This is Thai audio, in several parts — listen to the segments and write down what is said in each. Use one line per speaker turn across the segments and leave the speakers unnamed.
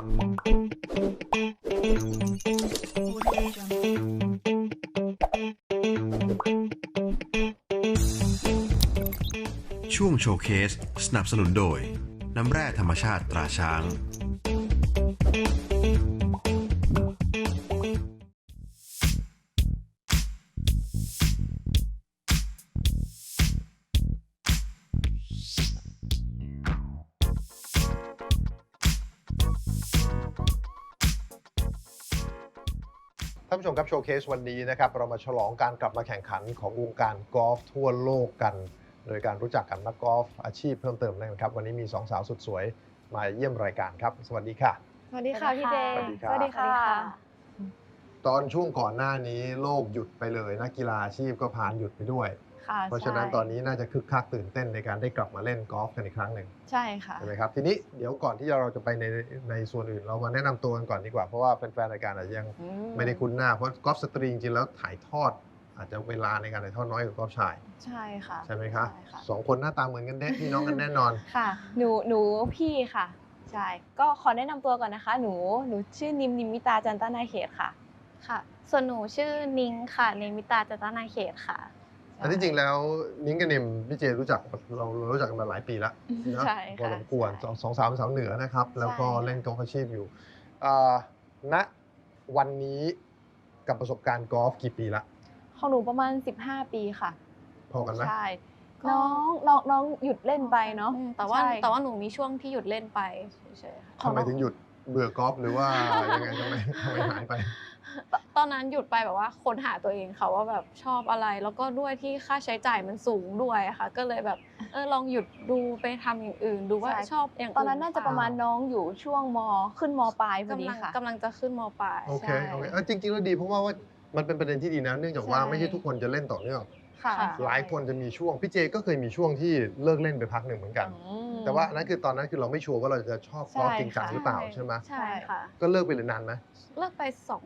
ช่วงโชว์เคสสนับสนุนโดยน้ำแร่ธรรมชาติตราช้าง
ท่านผู้ชมครับโชว์เคสวันนี้นะครับเรามาฉลองการกลับมาแข่งขันของวงการกอล์ฟทั่วโลกกันโดยการรู้จักกับนักกอล์ฟอาชีพเพิ่มเติมนะครับวันนี้มี2 สาวสุดสวยมาเยี่ยมรายการครับสวัสดีค่ะ
สวัสดีค่ะพี่เจ
สวัสดีครับ
สวัสดีค่ะ
ตอนช่วงก่อนหน้านี้โลกหยุดไปเลยนักกีฬาอาชีพก็ผ่านหยุดไปด้วย
ค่ะ
เพราะฉะนั้นตอนนี้น่าจะคึกคักตื่นเต้นในการได้กลับมาเล่นกอล์ฟกันอีกครั้งหนึ่ง
ใช่ค่ะ
ใช่ไหมครับทีนี้เดี๋ยวก่อนที่เราจะไปในส่วนอื่นเรามาแนะนำตัวกันก่อนดีกว่าเพราะว่าแฟนๆรายการอาจจะยังไม่ได้คุ้นหน้าเพราะกอล์ฟสตรีจริงๆแล้วถ่ายทอดอาจจะเวลาในการถ่ายทอดน้อยกว่ากอล์ฟชาย
ใช่ค่ะ
ใช่ไหมคะ2 คนหน้าตาเหมือนกันเด็พี่น้องกันแน่นอน
ค่ะหนูพี่ค่ะใช่ก็ขอแนะนำตัวก่อนนะคะหนูชื่อนิมิตาจันตนาเขตค่ะ
ค่ะส่วนหนูชื่อนิ้งค่ะเนมิตาจันตนาเขตค่ะ
แต่ที่จริงแล้วนิ้งกับนิมพี่เจรู้จักเรารู้จักกันมาหลายปีแล้วนะพอสมควร2 สาวเป็นสาวเหนือนะครับแล้วก็เล่นกอล์ฟอาชีพอยู่ณวันนี้กับประสบการณ์กอล์ฟกี่ปีละ
ของหนูประมาณ15 ปีค่ะ
พอกันไหม
ใช่น้องหยุดเล่นไปเนาะ
แต่ว่าหนูมีช่วงที่หยุดเล่นไปเฉยๆค่ะ
ทำไมถึงหยุดเบื่อกอล์ฟหรือว่ายังไงทำไมหายไป
ตอนนั้นหยุดไปแบบว่าค้นหาตัวเองค่ะว่าแบบชอบอะไรแล้วก็ด้วยที่ค่าใช้จ่ายมันสูงด้วยค่ะก็เลยแบบลองหยุดดูไปทำอย่างอื่นดูว่าชอบอย่างอื่น
ตอนนั้นน่าจะประมาณน้องอยู่ช่วงขึ้นมปลายพอดีค่ะ
กำลังจะขึ้นมปลาย
โอเคจริงๆแล้วดีเพราะว่ามันเป็นประเด็นที่ดีนะเนื่องจากว่าไม่ใช่ทุกคนจะเล่นต่อเนื่องหลายคนจะมีช่วงพี่เจก็เคยมีช่วงที่เลิกเล่นไปพักหนึ่งเหมือนกันแต่ว่านั่นคือตอนนั้นคือเราไม่ชัวร์ว่าเราจะชอบกอล์ฟจริงจังหรือเปล่าใช่ไหม
ใช่ค่ะ
ก็เลิกไปเลยนานไหม
เลิกไป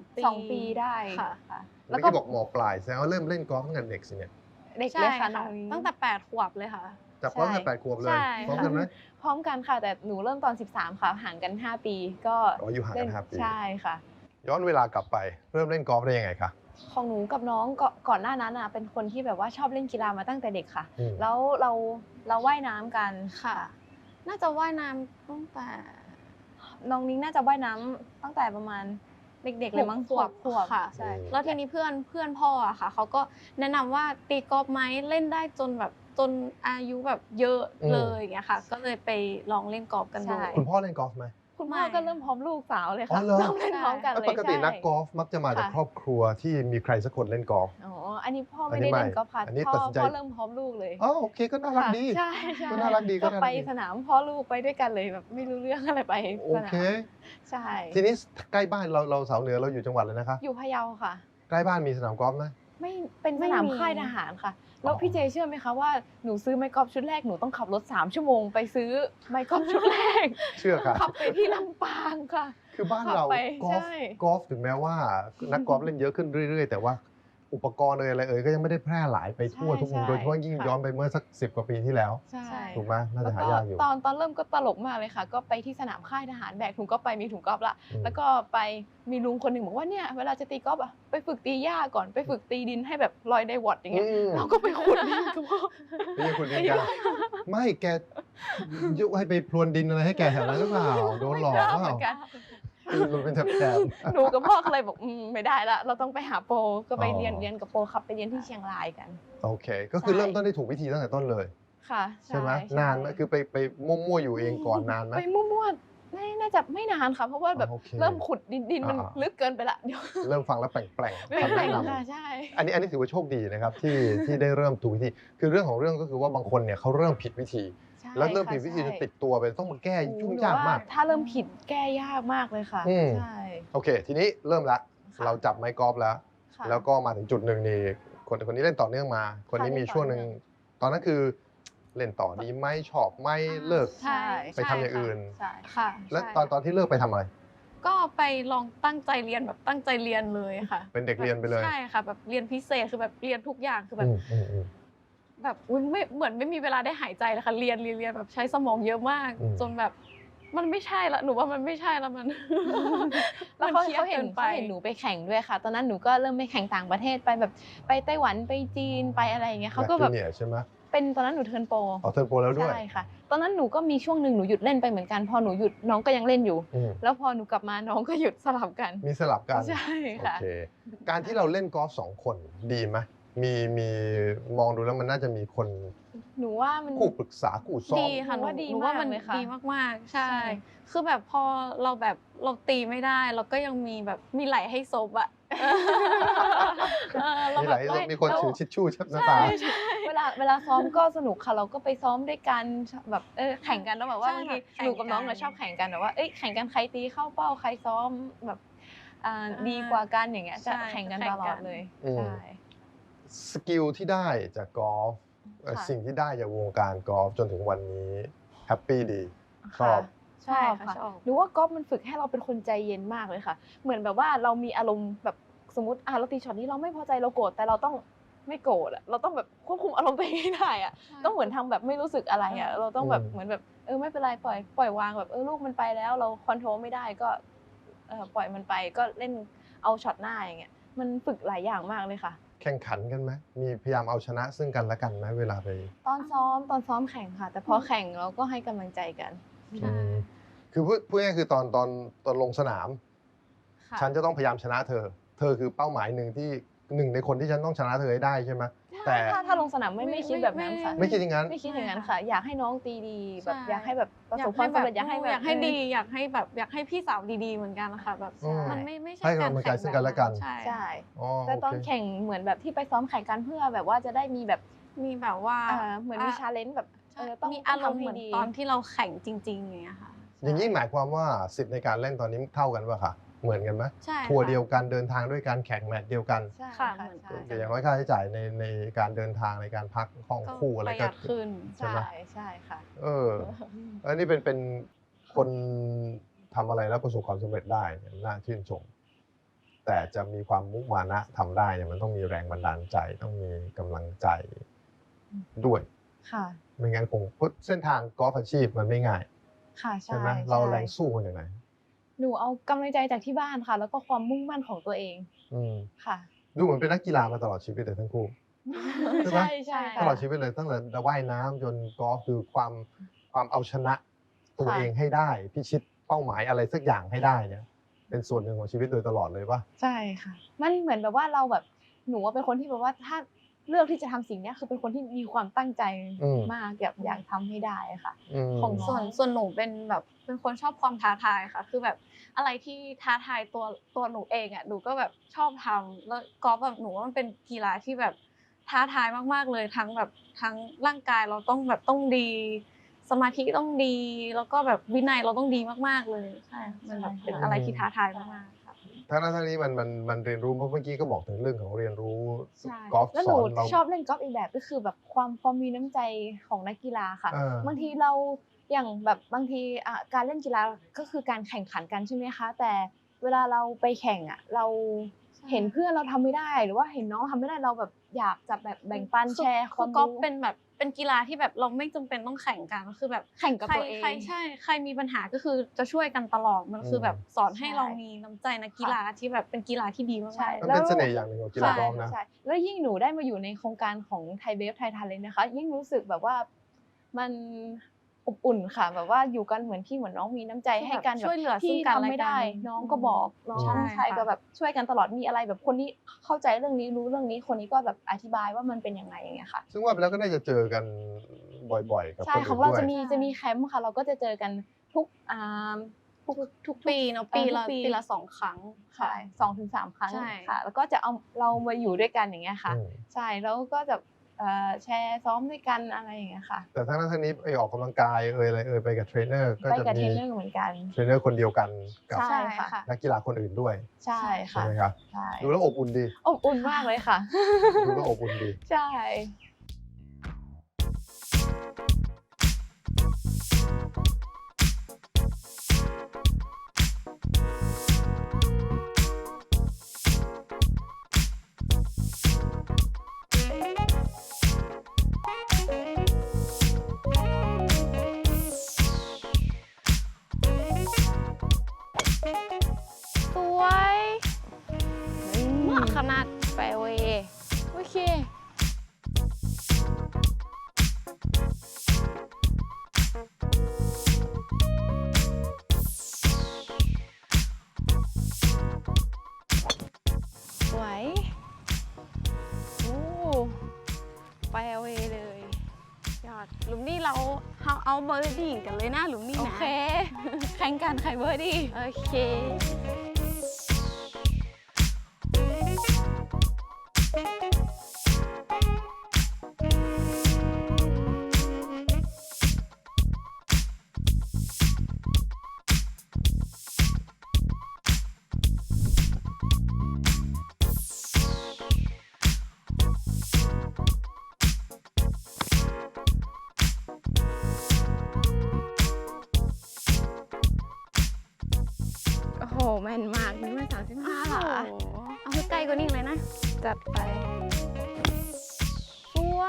2 ปี
ได้
ค่ะ
แล้วก็บอกมปลายแสดงว่าเริ่มเล่นกอล์ฟตั้งแต่เด็กสิเนี่ย
เด็กเลยค่ะ
ตั้งแต่8 ขวบเลยค่ะ
จับกอล์ฟตั้งแต่8 ขวบเลยพร้อมกันไหม
พร้อมกันค่ะแต่หนูเริ่มตอน13ค่ะห่างกัน5 ปีก็
อยู่ห่างกัน5 ปี
ใช่ค่ะ
ย้อนเวลากลับไปเริ่มเล่นกอล์ฟได้ยังไงคะ
ของหนูกับน้องก่อนหน้านั้นเป็นคนที่แบบว่าชอบเล่นกีฬามาตั้งแต่เด็กค่ะแล้วเราว่ายน้ำกัน
ค่ะน่าจะว่ายน้ำตั้งแต่
น้องนิ้งน่าจะว่ายน้ำตั้งแต่ประมาณเด็กๆเลยมั้งขวบ
ค่ะใช่แล้วทีนี้เพื่อนพ่อค่ะเขาก็แนะนำว่าตีกอล์ฟไหมเล่นได้จนอายุแบบเยอะเลยอย่างเงี้ยค่ะก็เลยไปลองเล่นกอล์ฟกันดู
คุณพ่อเล่นกอล์ฟไหม
คุณพ่อก็เริ่มพร้อมลูกสาวเลยค่ะเริ่มเล่นพร้อมกันเลย
ปกตินักกอล์ฟมักจะมาจากครอบครัวที่มีใครสักคนเล่นกอล์ฟ
อันนี้พ่อไม่ได้เล่นกอล์ฟค่ะพ่อเริ่มพร้อมลูกเลย
โอเคก็น่ารักดี
ใช่
ก็น่ารักดี
ก็ไปสนามพ่อลูกไปด้วยกันเลยแบบไม่รู้เรื่องอะไรไป
โอเค
ใช่
ทีนี้ใกล้บ้านเราสาวเหนือเราอยู่จังหวัดเลยนะคะ
อยู่พะเยาค่ะ
ใกล้บ้านมีสนามกอล์ฟไหม
ไม่เป็นสนามค่ายทหารค่ะแล้วพี่เจเชื่อไหมคะว่าหนูซื้อไม้กอล์ฟชุดแรกหนูต้องขับรถ3 ชั่วโมงไปซื้อไม้กอล์ฟชุดแรก
เชื่อค่ะ
ขับไปที่ลำปางค่ะ
คือบ้านเรากอล์ฟถึงแม้ว่านักกอล์ฟเล่นเยอะขึ้นเรื่อยๆแต่ว่าอุปกรณ์อะไรก็ยังไม่ได้แพร่หลายไปทั่วทุกมุมโดยเฉพาะยิ่งย้อนไปเมื่อสัก10 กว่าปีที่แล้วถูกไหมน่าจะหายากอยู่
ตอนเริ่มก็ตลกมากเลยค่ะก็ไปที่สนามค่ายทหารแบกถุงกอล์ฟไปมีถุงกอล์ฟละแล้วก็ไปมีลุงคนหนึ่งบอกว่าเนี่ยเวลาจะตีกอล์ฟไปฝึกตีหญ้าก่อนไปฝึกตีดินให้แบบลอยไดวอตอย่างเงี้ยเราก็ไปขุดดินกับพ่อ
ไม่ใช่ขุดดินกันไม่แกยุให้ไปพรวนดินอะไรให้แกแถวนั้นหรือเปล่าโดนหลอกเปล่ามันเป็นแถบ
หนูกับพ่อก็เลยบอกไม่ได้ละเราต้องไปหาโปรก็ไปเรียนกับโปรครับไปเรียนที่เชียงรายกัน
โอเคก็คือเริ่มต้นได้ถูกวิธีตั้งแต่ต้นเลย
ค่ะ
ใช่ไหมนานไหมคือไปมั่วๆอยู่เองก่อนนานไหม
ไปมั่วๆน่าจะไม่นานค่ะเพราะว่าแบบเริ่มขุดดินมันลึกเกินไปละเดี๋ยว
เริ่มฟังแล้วแปลง
ค่ะใช่
อันนี้ถือว่าโชคดีนะครับที่ได้เริ่มถูกวิธีคือเรื่องของเรื่องก็คือว่าบางคนเนี่ยเขาเริ่มผิดวิธีแล้วเริ่มผิดวิธีจะติดตัวไปต้องมาแก้ยุ่งยากมาก
ถ้าเริ่มผิดแก้ยากมากเลยค่ะใช่
โอเคทีนี้เริ่มละเราจับไม้กอล์ฟแล้วก็มาถึงจุดหนึ่งนี่คนนี้เล่นต่อเนื่องมาคนนี้มีช่วงหนึ่งตอนนั้นคือเล่นต่อดีไหมชอบไหมเลิกไปทำอย่างอื่น
ค่ะ
แล้วตอนที่เลิกไปทำอะไร
ก็ไปลองตั้งใจเรียนแบบตั้งใจเรียนเลยค่ะ
เป็นเด็กเรียนไปเลย
ใช่ค่ะแบบเรียนพิเศษคือแบบเรียนทุกอย่างคือแบบไม่เหมือนไม่มีเวลาได้หายใจเลยค่ะเรียนแบบใช้สมองเยอะมากจนแบบมันไม่ใช่ละหนูว่ามันไม่ใช่ละมัน
แล้ว
มัน
เขาเห็นหนูไปแข่งด้วยค่ะ ตอนนั้นหนูก็เริ่มไปแข่งต่างประเทศไปแบบไปไต้หวันไปจีนไปอะไรอย่างเงี้ยเขาก็แบบ
เนี่ยใช่ไหม
เป็นตอนนั้นหนูเทิร์นโปร
เทิร์นโปรแล้วด้วย
ใช่ค่ะตอนนั้นหนูก็มีช่วงหนึ่งหนูหยุดเล่นไปเหมือนกันพอหนูหยุดน้องก็ยังเล่นอยู่ แล้วพอหนูกลับมาน้องก็หยุดสลับกัน
มีสลับกัน
ใช่ค่ะ
โอเคการที่เราเล่นกอล์ฟ2 คนดีไหมมีมองดูแล้วมันน่าจะมีคน
หนูว่ามัน
คู่ปรึกษาคู่ซ้อม
ดีค่ะ
หนูว่าดี
หนูว่ามัน
มากเลยค่ะ
ดีมากๆใช่
ใช่
คือแบบพอเราแบบเราตีไม่ได้เราก็ยังมีแบบมีไหลให้ซบอะเรา
มี
แบ
ห
บ
ลายมีคนถือทิชชู่ชับหน้าตา
เวลาซ้อมก็สนุกค่ะเราก็ไปซ้อมด้วยกันแบบแข่งกันแล้วแบบว่าบางทีหนูกับน้องเนี่ยชอบแข่งกันแบบว่าแข่งกันใครตีเข้าเป้าใครซ้อมแบบดีกว่ากันอย่างเงี้ยจะแข่งกันตลอดเลยใช่
สกิลที่ได้จากกอล์ฟ
ค่ะ
สิ่งที่ได้จากวงการกอล์ฟจนถึงวันนี้แฮปปี้ดีชอบ
ชอบค่ะหนูว่ากอล์ฟมันฝึกให้เราเป็นคนใจเย็นมากเลยค่ะ เหมือนแบบว่าเรามีอารมณ์แบบสมมติเราตีช็อตนี้เราไม่พอใจเราโกรธแต่เราต้องไม่โกรธอะเราต้องแบบควบคุมอารมณ์ตัวเองให้ได้อะต้องเหมือนทำแบบไม่รู้สึกอะไรอะเราต้องแบบเหมือนแบบไม่เป็นไรปล่อยวางแบบลูกมันไปแล้วเราคอนโทรลไม่ได้ก็ปล่อยมันไปก็เล่นเอาช็อตหน้าอย่างเงี้ยมันฝึกหลายอย่างมากเลยค่ะ
แข่งขันกันไหมมีพยายามเอาชนะซึ่งกันและกันไหมเวลาไป
ตอนซ้อมแข่งค่ะ แต่พอแข่งเราก็ให้กำลังใจกัน
คือพูดง่ายๆคือตอนลงสนาม
ค่ะ
ฉันจะต้องพยายามชนะเธอคือเป้าหมายหนึ่งในคนที่ฉันต้องชนะเธอให้ได้ใช่ไหมแต่
ถ้าลงสนามไม่คิดแบบนั้นค่ะ
ไม่คิดอย่างนั้น
ไม่คิดอย่างนั้นค่ะ อยากให้น้องตีดีแบบอยากให้แบบประสบคาม
อยาวก
สำเร็จอยากให้แบบ
อยากให้ดีอยากให้พี่สาวดีๆเหมือนกันนะคะแบบ
อืม
มันไม่ใช่
ให้กำลังใจซึ่งกันและกัน
ใช่
ใช่
อ๋อ
แต่ตอน
โอเค
แข่งเหมือนแบบที่ไปซ้อมแข่งกันเพื่อแบบว่าจะได้มีแบบ
มีแบบว่า
เหมือนมีชาเลนจ์แบบต้อง
มีอารมณ์
ทำ
เหมือน
ให้ดี
ตอนที่เราแข่งจริงๆอย่างเงี้ยค่ะ
อย่างนี้หมายความว่าสิทธิ์ในการเล่นตอนนี้เท่ากันป่ะคะเหมือนกันไหม
ใช่
ทัวร์เดียวกันเดินทางด้วยกันแข่งแมตช์เดียวกัน
ใช่
ค่ะ
ค่ะ
เหมือน
ใช่
แต่อย่างน้อยค่าใช้จ่ายในการเดินทางในการพักห้องคู่อะไร
ประห
ก็
ยัดขึ้น
ใช่ไหม
ใช่ค่ะ
อันนี้เป็นคนทำอะไรแล้วประสบความสำเร็จได้เนี่ยน่าชื่นชม แต่จะมีความมุมานะทำได้เนี่ยมันต้องมีแรงบันดาลใจต้องมีกำลังใจด้วย
ค่ะ
ไม่งั้นคงเส้นทางกอล์ฟอาชีพมันไม่ง่าย
ค่ะ
ใช่ไหมเราแรงสู้มาจากไหน
หนูเอากำลังใจจากที่บ้านค่ะ แล้วก็ความมุ่งมั่นของตัวเอง
อืม
ค่ะ
ดูเหมือนเป็นนักกีฬามาตลอดชีวิตเลยทั้งคู่ ใช่ไหม
ใช่
ต
ค่ะ
ลอดชีวิตเลยตั้งแต่ว่ายน้ำจนกอล์ฟคือความเอาชนะตัว
ค่ะ
เองให้ได้พิชิตเป้าหมายอะไรสักอย่างให้ได้เนี่ยเป็นส่วนหนึ่งของชีวิตโดยตลอดเลยป่ะ
ใช่ค่ะ มันเหมือนแบบว่าเราแบบหนูว่าเป็นคนที่แบบว่าถ้าเลือกที่จะทำสิ่งเนี้ยคือเป็นคนที่มีความตั้งใจมากอยากทำให้ได้ค่ะ ของ
ส่วนหนูเป็นแบบเป็นคนชอบความท้าทายค่ะ คือแบบอะไรที่ท้าทายตัวหนูเองอ่ะหนูก็แบบชอบทำแล้วกอล์ฟแบบหนูว่ามันเป็นกีฬาที่แบบท้าทายมากๆเลยทั้งแบบทั้งร่างกายเราต้องดี สมาธิต้องดี แล้วก็แบบวินัยเราต้องดีมากๆเลยใช่มันแบบเป็นอะไรที่ท้าทายมากๆค่ะ
ทั้งนั้นทั้งนี้มันเรียนรู้เพราะเมื่อกี้ก็บอกถึงเรื่องของเรียนรู้
ใช่
กอล์ฟ
แล้ว
ส
หนู
อนเรา
ชอบเล่นกอล์ฟอีกแบบก็คือแบบความมีน้ำใจของนักกีฬาค่ะ บางทีเราอย่างแบบบางทีการเล่นกีฬาก็คือการแข่งขันกันใช่ไหมคะ แต่เวลาเราไปแข่งเราเห็นเพื่อนเราทำไม่ได้ หรือว่าเห็นน้องทำไม่ได้เราแบบอยากจะแบบแบ่งปันแชร์ความ
กอล์ฟ
รู้
เป็นกีฬาที่แบบเราไม่จำเป็นต้องแข่งกันคือแบบ
แข่งกับตัวเอง
ใครมีปัญหาก็คือจะช่วยกันตลอดมันคือแบบสอนให้เรามีน้ำใจนักกีฬาที่แบบเป็นกีฬาที่ดีมาก
ใช่
มันเป็นเสน่ห์อย่างหนึ่งของกีฬากอล์ฟนะ
ใช่แล้วยิ่งหนูได้มาอยู่ในโครงการของไทยเบฟไทยทาเลนต์นะคะ ยิ่งรู้สึกแบบว่ามันอบอุ่นค่ะ แบบว่าอยู่กันเหมือนพี่เหมือนน้องมีน้ำใจให้กัน
ช่วยเหลือซึ่
ที่
งกัน
ทำ
และ
ไม่
กั
ได้
น
น้องก็บอกน้อง
ใช่
ชาย
ค่ะ
ก็แบบช่วยกันตลอดมีอะไรแบบคนนี้เข้าใจเรื่องนี้รู้เรื่องนี้คนนี้ก็แบบอธิบายว่ามันเป็นยังไงอย่างเงี้ยค่ะ
ซึ่งว่าไปแล้วก็น่าจะเจอกันบ่อยๆกับ
ใช่
คน
ข
อื่
อง
น
เรา
ด้วย
จะมีแคมป์ค่ะ เราก็จะเจอกันทุก
ปีเนาะปีละ2 ครั้ง
ค่ะ2-3 ครั้ง
ใช่
ค่ะ แล้วก็จะเอาเรามาอยู่ด้วยกันอย่างเงี้ยค่ะ
อืม
ใช่แล้วก็จะแชร์ซ้อมด้วยกันอะไรอย่างเงี้ยค่ะ
แต่ทั้งนั้นทั้งนี้ออกกำลังกายอะไรไปกับเทรนเนอร์ก็
ไป
จะ
กับเท
มี
รนเนอร์เหมือนกัน
เทรนเนอร์คนเดียวกันกับ
ใช่ค่ะ
นักกีฬาคนอื่นด้วย
ใช่
ใช่
ค่ะ
ไหมครับ
ใช่
ดูแล้วอบอุ่นดี
อบอุ่นมากเลยค่ะ
ดูแล้วอบอุ่นดี
ใช่สวยเหมาะ
ขนาด
แฟร์เวย์โอเคสวยโอ้แฟร์เวย์เลย
ยอดหลุมนี้เราเอาเบอร์ดี้กันเลยนะหลุมนี้
โอ
นะ
เค แข่งกันใครเบอร์ดี้
โอเค
โอ้โห แม่นมากนี่มา35
โอ้
ค่ะ
โหเอาให้ใกล้กว่านี้เลยนะ
จัดไป สวย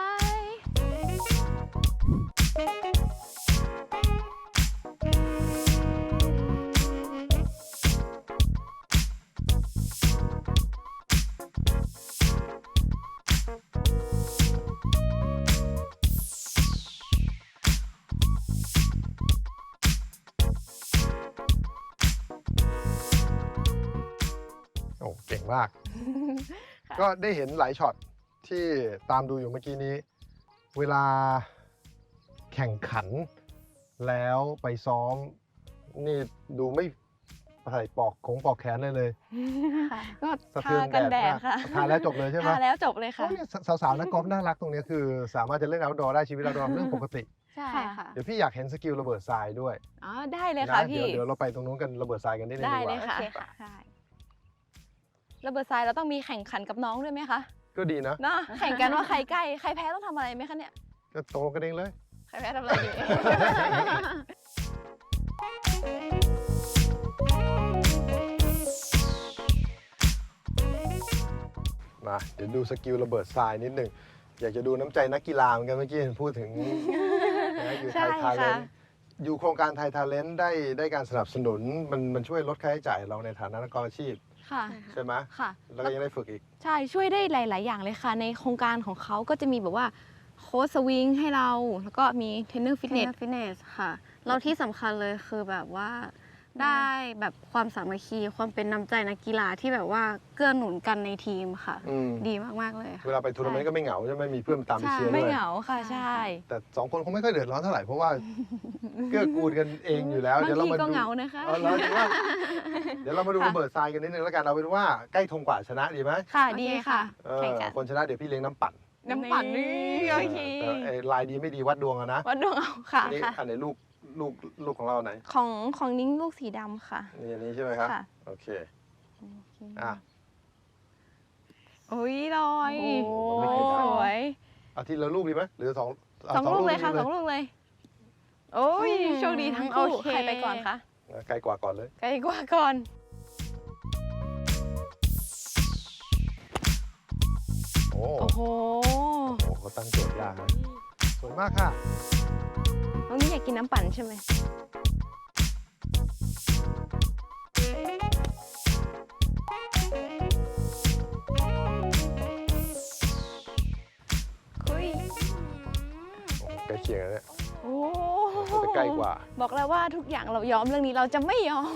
โอ้เก่งมาก ก็ได้เห็นหลายช็อตที่ตามดูอยู่เมื่อกี้นี้ เวลาแข่งขัน แล้วไปซ้อม นี่ดูไม่ใส่ปอกแขนเลย
ก็
สะ
ทา
เทือน
กันแดด
มาก
ค่ะ
ทาแล้วจบเลยใช่ไหม
ทาแล้วจบเลยค่ะ
โอ้เนี่ยสาวๆนักกอล์ฟน่ารักตรงเนี้ยคือ สามารถจะเล่น outdoor ได้ชีวิต outdoor เรื่องปกติ
ใช่
ค่ะ
ค่ะ
เดี๋ยวพี่อยากเห็นสกิลระเบิดทรายด้วย
อ๋อ ได้เลยค่ะ
นะ
พี่
เดี๋ยวเราไปตรงนู้นกันระเบิดทรายกันนิดนึง
ได้
ดีก
เลย
ว่า
ค่ะ
โอเคค่ะ
ใช่ระเบิดทรายเราต้องมีแข่งขันกับน้องด้วยไหมคะ
ก็ดีนะ
เนาะแข่งกันว่าใครใกล้ ใครแพ้ต้องทำอะไรไหมคะเนี่ย
ก็ตกลงกันเองเลย
ใครแพ้ทำอะไรดี
มาเดี๋ยวดูสกิลระเบิดทรายนิดหนึ่งอยากจะดูน้ำใจนักกีฬาเหมือนกันเมื่อกี้เห็นพูดถึง นะอยู่ไทย
ใช่
ทาเลน
ค่ะ
อยู่โครงการไทยทาเลนได้การสนับสนุนมันช่วยลดค่าใช้จ่ายเราในฐานะนักกอล์ฟอาชีพ
ค่ะ
ใช่ไหม
ค่ะ
แล้วก็ยังได้ฝึกอีก
ใช่ ช่วยได้หลาย ๆ อย่างเลยค่ะ ในโครงการของเขาก็จะมีแบบว่าโค้ชสวิงให้เรา แล้วก็มีเทรนเนอร์ฟิตเนส
ฟิตเนสค่ะแล้วที่สำคัญเลยคือแบบว่าได้แบบความสามัคคีความเป็นน้ำใจนักกีฬาที่แบบว่าเกื้อหนุนกันในทีมค่ะ
อืม
ดีมากๆเลยค่ะ
เวลาไปทัวร์นาเมนต์ก็ไม่เหงาใช่ไหมมีเพื่อนตามไปเชียร์
ไม่
ด้วย
เหงาค่ะ ใช่
แต่สองคนคงไม่ค่อยเดือดร้อนเท่าไหร่เพราะว่า เกื้อกูลกันเองอยู่แล้ว
บาง
เดี๋ยวเรา
ที
มา
ก็
ดู
เหงานะคะ
เราดูว่าเดี๋ยวเรามาดู
ค่ะ
ระเบิดทรายกันนิดนึงแล้วกันเอาเป็นว่าใกล้ธงกว่าชนะดีไหม
ค่ะ
โอเค
ดี
ค่ะ
ค่ะ แข่งกัน
คนชนะเดี๋ยวพี่เลี้ยงน้ำปั่น
น้ำปั่นนี่โอเค
แต่ไอ้ลายดีไม่ดีวัดดวงอะนะ
วัดดวงเอาค่ะ
อันนี้
ค่ะ
อันไหนลูกของเราไหน
ของนิ้งลูกสีดำค่ะ
นี่อันนี้ใช่ไหมครับ
ค่ะ
โอเคอ่ะ
โอ้ยลอย
โอ้โห
ไม่เคย
ส
ได้
วย
เอาทีละลูกดีไหมหรือสอง
สองลูกเลยค่ะสองลูกเลย โอ้ย
อืม
โชคดีทั้งคู่
โอเค
ใครไปก่อนคะ
ไกลกว่าก่อนเลย
ไกลกว่าก่อน
โอ้
โอ้โห
โหเขาตั้งโจทย์ยากนะสวยมากค่ะ
น้องนี่อยากกินน้ำปั่นใช่ไหม คุย
โอ้โหใกล้เคียงแล้วเนี่ย
โอ้
เขาจะใกล้กว่า
บอกแล้วว่าทุกอย่างเรายอมเรื่องนี้เราจะไม่ยอม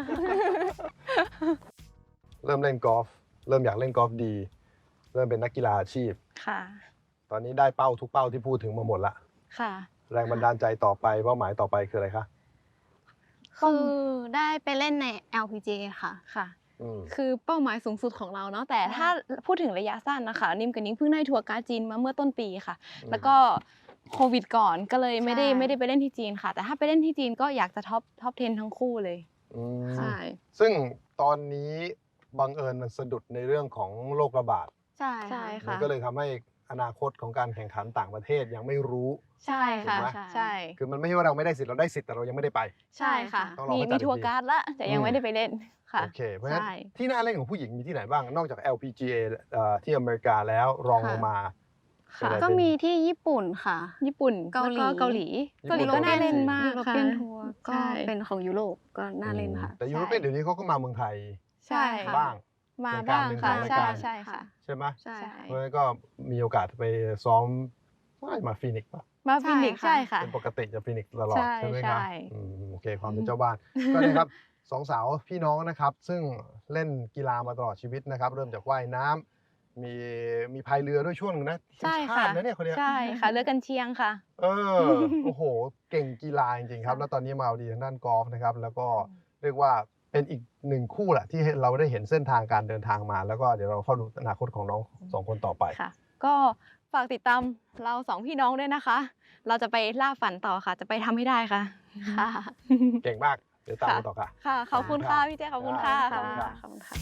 เริ่มเล่นกอล์ฟเริ่มอยากเล่นกอล์ฟดี เริ่มเป็นนักกีฬาอาชีพ
ค่ะ
ตอนนี้ได้เป้าทุกเป้าที่พูดถึงมาหมดละ
ค่ะ
แรงบันดาลใจต่อไปเป้าหมายต่อไปคืออะไรคะ
คือได้ไปเล่นใน LPGA ค่ะ
ค่ะ
อืม
คือเป้าหมายสูงสุดของเราเนาะ แต่ถ้าพูดถึงระยะสั้นนะคะ นิ่มกับนิ้งเพิ่งได้ทัวร์การ์ดจีนมาเมื่อต้นปีค่ะ แล้วก็โควิดก่อนก็เลยไม่ได้
ใช่
ไม่ได้ไปเล่นที่จีนค่ะ แต่ถ้าไปเล่นที่จีนก็อยากจะท็อป 10 ทั้งคู่เลย
อืม
ใช่
ซึ่งตอนนี้บังเอิญมันสะดุดในเรื่องของโรคระบาด
ใช่
ใช่
มั
ค่ะ
ก็เลยทำให้อนาคตของการแข่งขันต่างประเทศยังไม่รู้
ใช่ค่ะ
ถูกไหม
ใช่
คือมันไม่ใช่ว่าเราไม่ได้สิทธิ์เราได้สิทธิ์แต่เรายังไม่ได้ไป
ใช่ค่ะ
ต้องรอ
มี
ให้จัด
มีทัวร์
อีกที
การ์ดละแต่ยังไม่ได้ไปเล่นค่ะ
โอเค เพราะฉะนั้น
ใช่
ที่น่าเล่นของผู้หญิงมีที่ไหนบ้าง นอกจาก LPGA ที่อเมริกาแล้วรองลงมา
ค่ะ
ก็มีที่ญี่ปุ่นค่ะ
ญี่ปุ่น
เกาหลี
แล้วเกาหลี
ญี่ปุ่น
ก็น่าเล่นมาก
ยุโร
ค่ะ
เปียนทัวร์ก็
ใช่
เป็นของยุโรปก็น่าเล่นค่ะ
แต่ยูโรเปียนเดี๋ยวนี้เขาก็มาเมืองไทย
ใช่
ค่ะ
บ้าง
มาบ้าง
เป็น
ค่ะ
การ
ใช่
เป็น
ใช่ค่ะ
ใช่ไหม
ใช่
เพราะฉะนั้นก็มีโอกาสไปซ้อมมาฟีนิกซ์ป่ะ
มาฟินิกซ์
ใช่
ใช่ค่ะ
เป็นปกติจะฟีนิกซ์ตลอด
ใช่
ใช่ไหมครับ
ใช่
โอเคความเป็นเจ้าบ้าน ก็เลยครับสองสาวพี่น้องนะครับ ซึ่งเล่นกีฬามาตลอดชีวิตนะครับ เริ่มจากว่ายน้ำมีพายเรือด้วยช่วงหนึงนะทีม
ใช่
ชา
ค่ะ
ตินะเนี่ยคนเนี้ย
ใช่ค่ะเลือกกันเชียงค่ะ
โอ้โห เก่งกีฬาจริงๆครับ แล้วตอนนี้มาเอาดีทางด้านกอล์ฟนะครับ แล้วก็เรียกว่าเป็นอีกหนึ่งคู่แหละที่เราได้เห็นเส้นทางการเดินทางมา แล้วก็เดี๋ยวเราเข้าดูอนาคตของน้องสองคนต่อไป
ค่ะ ก็ฝากติดตามเราสองพี่น้องด้วยนะคะ เราจะไปล่าฝันต่อค่ะ จะไปทำให้ได้ค่ะ ค่ะ
เก่งมาก เดี๋ยวตามกันต่อค่ะ
ค่ะ ขอบคุณค่ะพี่เจขอบคุณค่ะ
ครับ
ขอบคุณค่ะ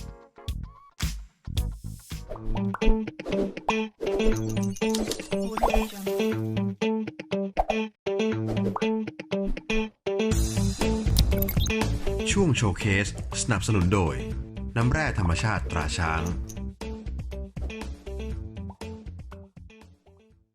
ช่วงโชว์เคส สนับสนุนโดย น้ำแร่ธรรมชาติตราช้าง